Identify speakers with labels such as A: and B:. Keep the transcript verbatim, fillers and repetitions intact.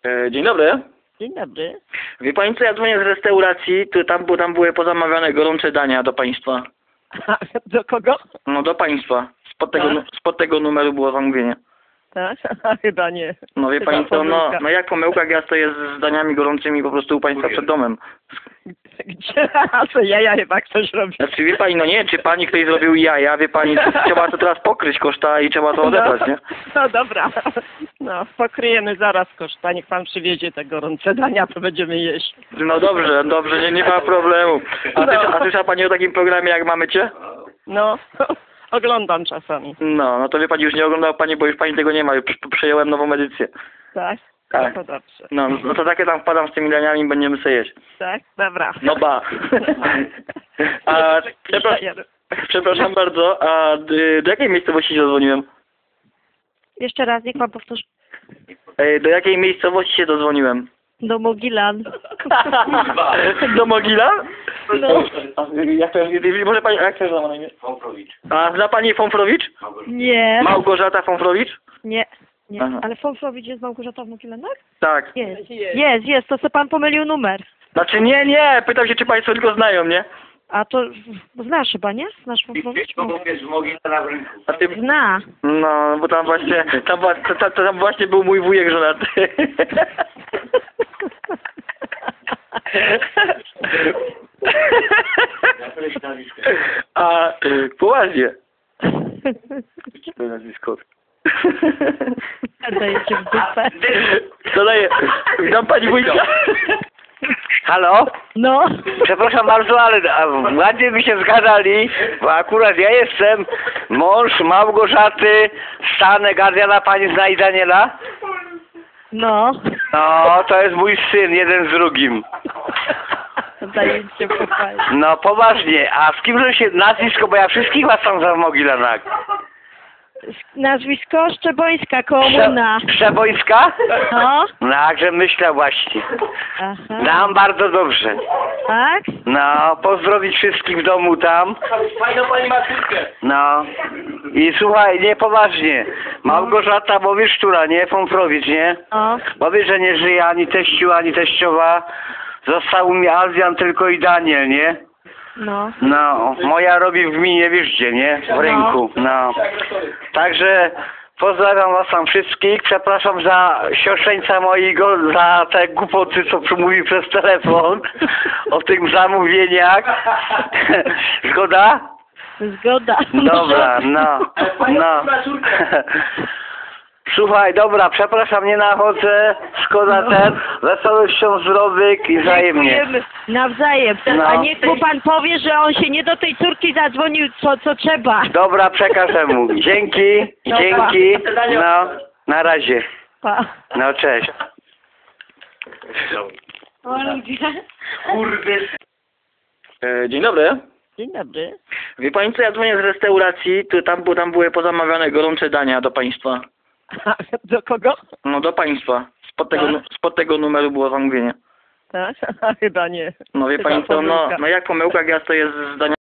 A: E, Dzień dobry.
B: Dzień dobry.
A: Wie pani co, ja dzwonię z restauracji, to tam, bo tam były pozamawiane gorące dania do państwa.
B: A, do kogo?
A: No do państwa. Spod tego, nu- spod tego numeru było zamówienie.
B: Tak? A, chyba nie.
A: No wie
B: Chyba
A: pani co, no,
B: pomyłka.
A: no jak pomyłka, jak ja stoję z daniami gorącymi po prostu u państwa przed domem.
B: Gdzie? A co, jaja chyba ktoś robi?
A: Znaczy wie pani, no nie, czy pani ktoś zrobił jaja, wie pani, trzeba to teraz pokryć koszta i trzeba to odebrać, nie?
B: No dobra. No, pokryjemy zaraz koszta. Niech pan przywiezie te gorące dania, to będziemy jeść.
A: No dobrze, dobrze, nie, nie ma problemu. A, ty,
B: No.
A: a słyszała pani o takim programie jak Mamy Cię?
B: No, oglądam czasami.
A: No, no to wie pani, już nie oglądała pani, bo już pani tego nie ma, już przejąłem nową edycję.
B: Tak?
A: Tak.
B: No to dobrze.
A: No, no to takie tam wpadam z tymi daniami i będziemy sobie jeść.
B: Tak? Dobra.
A: No ba. A, przepraszam, przepraszam bardzo, a d- do jakiej miejscowości się dozwoniłem?
C: Jeszcze raz, niech pan powtórzy.
A: Ej, do jakiej miejscowości się dozwoniłem?
C: Do Mogilan.
A: Do Mogila?
C: No.
A: A, jak to, może pani, jak to jest na imię?
D: Fąfrowicz.
A: A zna pani Fąfrowicz?
C: Nie.
A: Małgorzata Fąfrowicz?
C: Nie. Nie.
A: Aha.
C: Ale Fąfrowicz jest Małgorzata w Mogilanach?
A: Tak.
C: Jest. Jest, jest. To co pan pomylił numer.
A: Znaczy nie, nie, pytam się, czy państwo tylko znają, nie?
C: A to znasz chyba, nie? Znasz Fąfrowicz?
D: To jest w Mogile na rynku.
A: A ty...
C: Zna.
A: No, bo tam właśnie, tam, wa- to, to, to tam właśnie był mój wujek żonaty. A, poważnie. To jest nazwisko.
C: Dajecie w dupę.
A: Co daje? Witam pani wujka.
D: Halo?
C: No.
D: Przepraszam bardzo, ale a, ładnie by się zgadzali, bo akurat ja jestem mąż Małgorzaty Stanek, Adriana, pani zna i Daniela?
C: No.
D: No, to jest mój syn, jeden z drugim.
C: Dajecie w dupę.
D: No, poważnie, a z kim się nazwisko, bo ja wszystkich was tam za Mogilenak.
C: Nazwisko Szczebońska, komuna.
D: Przebońska?
C: No.
D: No, także myślę właśnie.
C: Aha.
D: Nam bardzo dobrze.
C: Tak?
D: No, pozdrowić wszystkich w domu tam.
A: Fajną pani ma córkę.
D: No. I słuchaj, nie poważnie. Małgorzata, bo wiesz, która, nie? Fąfrowicz, nie?
C: O.
D: Bo wiesz, że nie żyje ani teściu, ani teściowa. Został mi Adrian tylko i Daniel, nie?
C: No.
D: No, moja robi w gminie, wiesz gdzie, nie? W rynku, no. Także pozdrawiam was tam wszystkich. Przepraszam za siostrzeńca mojego, za te głupoty, co mówi przez telefon o tych zamówieniach. Zgoda?
C: Zgoda.
D: Dobra, no, no. Słuchaj, dobra, przepraszam, nie nachodzę, szkoda
C: No.
D: ten, wesołością zdrowych i wzajemnie.
C: Dziękujemy. Nawzajem.
D: No.
C: A niech mu pan powie, że on się nie do tej córki zadzwonił, co, co trzeba.
D: Dobra, przekażę mu. Dzięki,
C: No,
D: dzięki, no, na razie.
C: Pa.
D: No, cześć.
C: O ludzie.
D: Kurwy.
A: E, Dzień dobry.
B: Dzień dobry.
A: Wie pani co, ja dzwonię z restauracji, to tam, bo tam były pozamawiane gorące dania do państwa.
B: A, do kogo?
A: No do państwa. Spod tego, nu- spod tego numeru było zamówienie.
B: Tak? A, chyba nie.
A: No wie
B: Chyba
A: pani co, no,
B: pomyłka.
A: no jak pomyłka, jak ja stoję z daniami